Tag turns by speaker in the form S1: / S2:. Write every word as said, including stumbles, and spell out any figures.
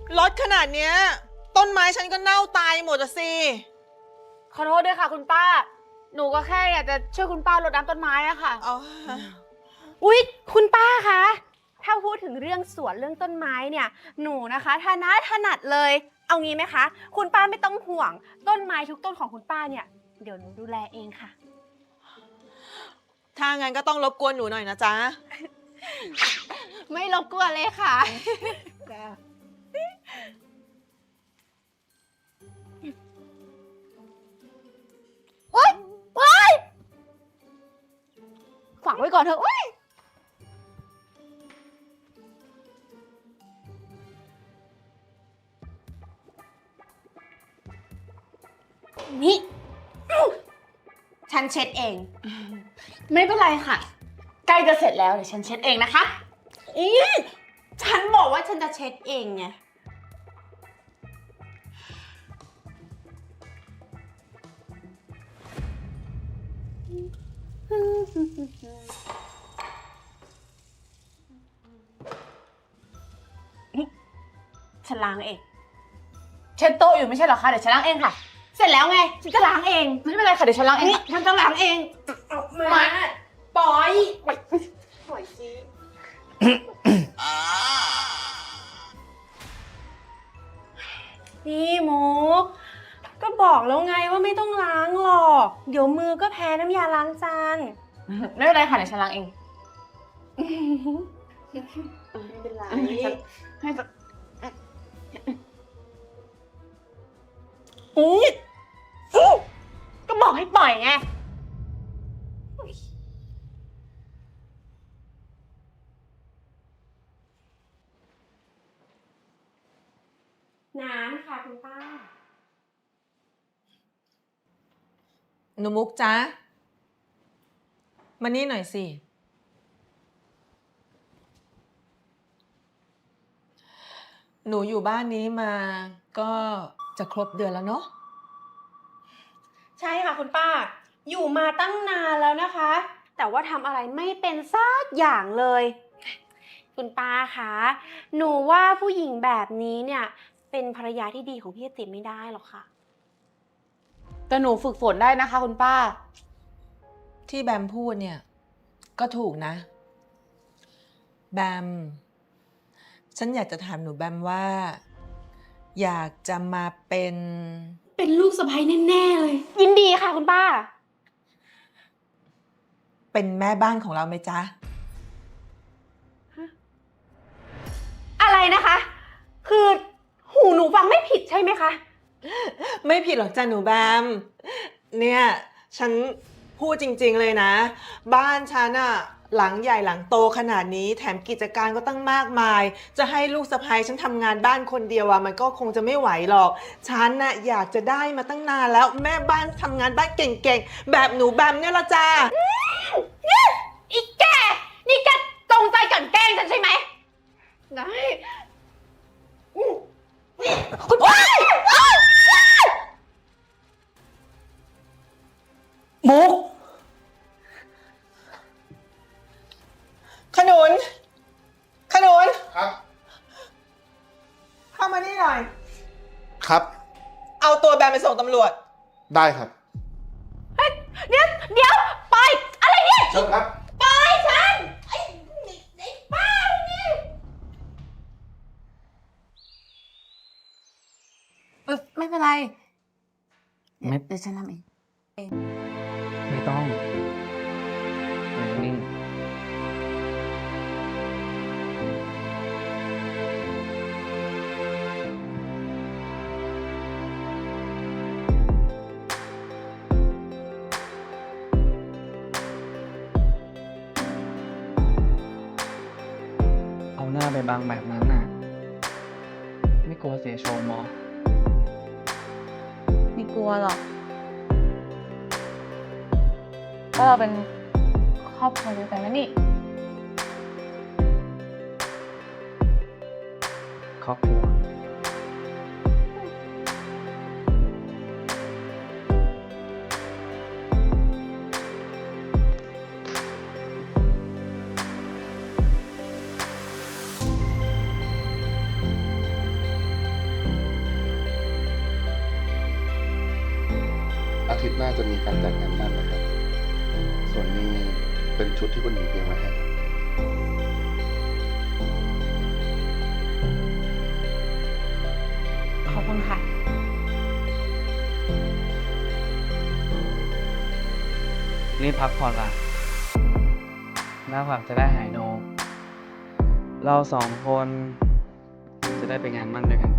S1: รถขนาดเนี้ยต้นไม้ฉันก็เน่าตายหมดอะสิ
S2: ขอโทษด้วยค่ะคุณป้าหนูก็แค่อยากจะช่วยคุณป้ารดน้ำต้นไม้อะค่ะ
S1: อ๋อ
S3: อุ๊ยคุณป้าคะถ้าพูดถึงเรื่องสวนเรื่องต้นไม้เนี่ยหนูนะคะถนัดถนัดเลยเอางี้ไหมคะคุณป้าไม่ต้องห่วงต้นไม้ทุกต้นของคุณป้าเนี่ยเดี๋ยวหนูดูแลเองค่ะ
S1: ถ้างั้นก็ต้องรบกวนหนูหน่อยนะจ๊ะ
S3: ไม่รบกวนเลยค่ะโอ๊ยโอ๊ยฝากไว้ก่อนเถอะโอ๊ยนี่ฉันเช็ดเอง
S2: ไม่เป็นไรค่ะใกล้จะเสร็จแล้วเดี๋ยวฉันเช็ดเองนะคะ
S3: อีฉันบอกว่าฉันจะเช็ดเองไงฉันล้างเอง
S2: เช็ดโต๊ะอยู่ไม่ใช่เหรอคะเดี๋ยวฉันล้างเองค่ะ
S3: เสร็จแล้วไงฉันก็ล้างเอง
S2: ไม่เป็นไรค่ะเดี๋ยวฉันล้างเอง
S3: ฉันจะล้างเองเอามาปล่อยปล่อยสินี่มุกก็บอกแล้วไงว่าไม่ต้องล้างหรอกเดี๋ยวมือก็แพ้น้ำยาล้างจาน
S2: ไม่เป็นไรค่ะเดี๋ยวฉันล้างเอง
S3: ไม่เป็นไร
S2: ให้
S3: อุ๊ยก็บอกให้ปล่อยไงน้ำค่ะคุณป้า
S1: หนูมุกจ๊ะมานี่หน่อยสิหนูอยู่บ้านนี้มาก็จะครบเดือนแล้วเนาะ
S3: ใช่ค่ะคุณป้าอยู่มาตั้งนานแล้วนะคะแต่ว่าทำอะไรไม่เป็นสักอย่างเลยคุณป้าคะหนูว่าผู้หญิงแบบนี้เนี่ยเป็นภรรยาที่ดีของพี่ติ๋มไม่ได้หรอกค่ะ
S2: แต่หนูฝึกฝนได้นะคะคุณป้า
S1: ที่แบมพูดเนี่ยก็ถูกนะแบมฉันอยากจะถามหนูแบมว่าอยากจะมาเป็น
S3: เป็นลูกสะใภ้แน่ๆเลยยินดีค่ะคุณป้า
S1: เป็นแม่บ้านของเราไหมจ๊ะ
S3: อะไรนะคะคือหูหนูฟังไม่ผิดใช่ไหมคะ
S1: ไม่ผิดหรอกจ้ะหนูแบมเนี่ยฉันพูดจริงๆเลยนะบ้านฉันอะหลังใหญ่หลังโตขนาดนี้แถมกิจการก็ตั้งมากมายจะให้ลูกสะใภ้ฉันทำงานบ้านคนเดียวอะมันก็คงจะไม่ไหวหรอกฉันน่ะอยากจะได้มาตั้งนานแล้วแม่บ้านทำงานบ้านเก่งๆแบบหนูแบมเนี่ยละจ้า
S3: อีแกนี่แกจงใจกลั่นแกล้งฉันใช่ไหมได้คุณป้า
S1: มุกขนุนขนุน
S4: ครับ
S1: เข้ามานี่หน่อย
S4: ครับ
S1: เอาตัวแบมไปส่งตำรวจ
S4: ได้ครับ
S3: เฮ้ยเดี๋ยวเดี๋ยวไปอะไรเนี่ย
S4: เชิญครับ
S3: ไปฉันไอ้ไอ้ป้านี่
S2: ไม่เป็นไรไม่เดี๋ยวฉันทำเอง
S5: ไม่ต้องนิ่งเอาหน้าไปบังแบบนั้นน่ะไม่กลัวเสียโฉมหรอ
S2: ไม่กลัวหรอกก็เราเป็นครอบครัวเดียวกันนะนี่
S5: ครอบครัว
S1: พ
S4: น่าจะมีการจัดงานมั่นนะครับ ส่วนนี้เป็นชุดที่คุณหญิงเตรียมไว้ให้ครับ
S3: ขอบคุณค่ะ
S5: รีบพักผ่อนล่ะ หน้าผักจะได้หายโน เราสองคนจะได้ไปงานมั่นด้วยกัน